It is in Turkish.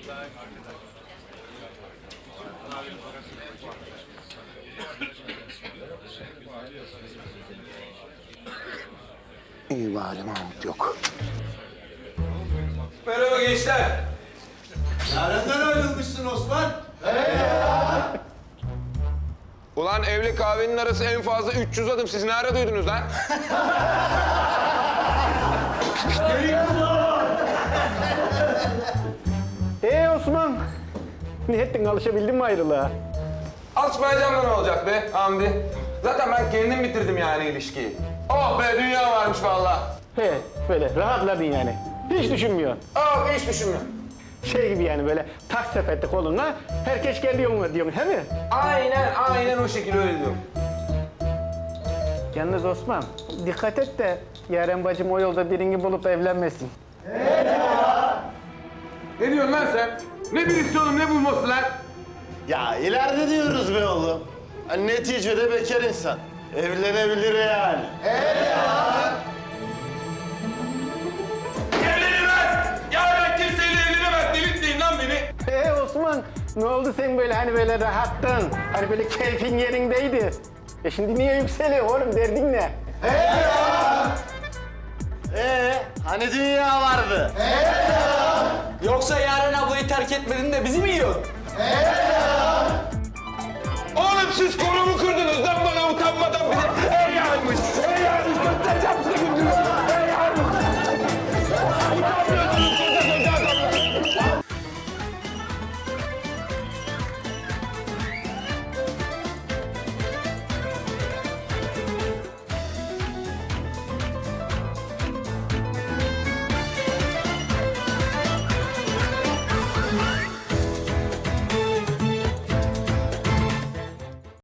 İyi bari Mahmut yok. Merhaba gençler. Nereden ayrılmışsın Osman? Ulan evle kahvenin arası en fazla 300 adım. Siz ne ara duydunuz lan? Osman, ne ettin? Alışabildin mi ayrılığa? Alışmayacağım da ne olacak be Hamdi? Zaten ben kendim bitirdim yani ilişkiyi. Oh be dünya varmış vallahi. He, böyle rahatladın yani. Hiç düşünmüyorsun. Oh hiç düşünmüyorum. Şey gibi yani böyle tak sepette koluna, herkes kendi yoluna diyorsun, he mi? Aynen o şekilde öyle diyorum. Yalnız Osman, dikkat et de Yaren bacım o yolda birini bulup evlenmesin. Ne diyorsun lan sen? Ne birisi oğlum ne bulması lan? Ya ileride diyoruz be oğlum. Hani neticede bekar insan. Evlenebilir yani. Evlenemez! Ya ben kimseyle evlenemez. Delirtmeyin lan beni. Osman, ne oldu sen böyle hani böyle rahattın? Hani böyle keyfin yerindeydi. Şimdi niye yükseliyor oğlum, derdin ne? Hani dünya vardı? Yoksa Yaren ablayı terk etmedin de bizi mi yiyor? Oğlum siz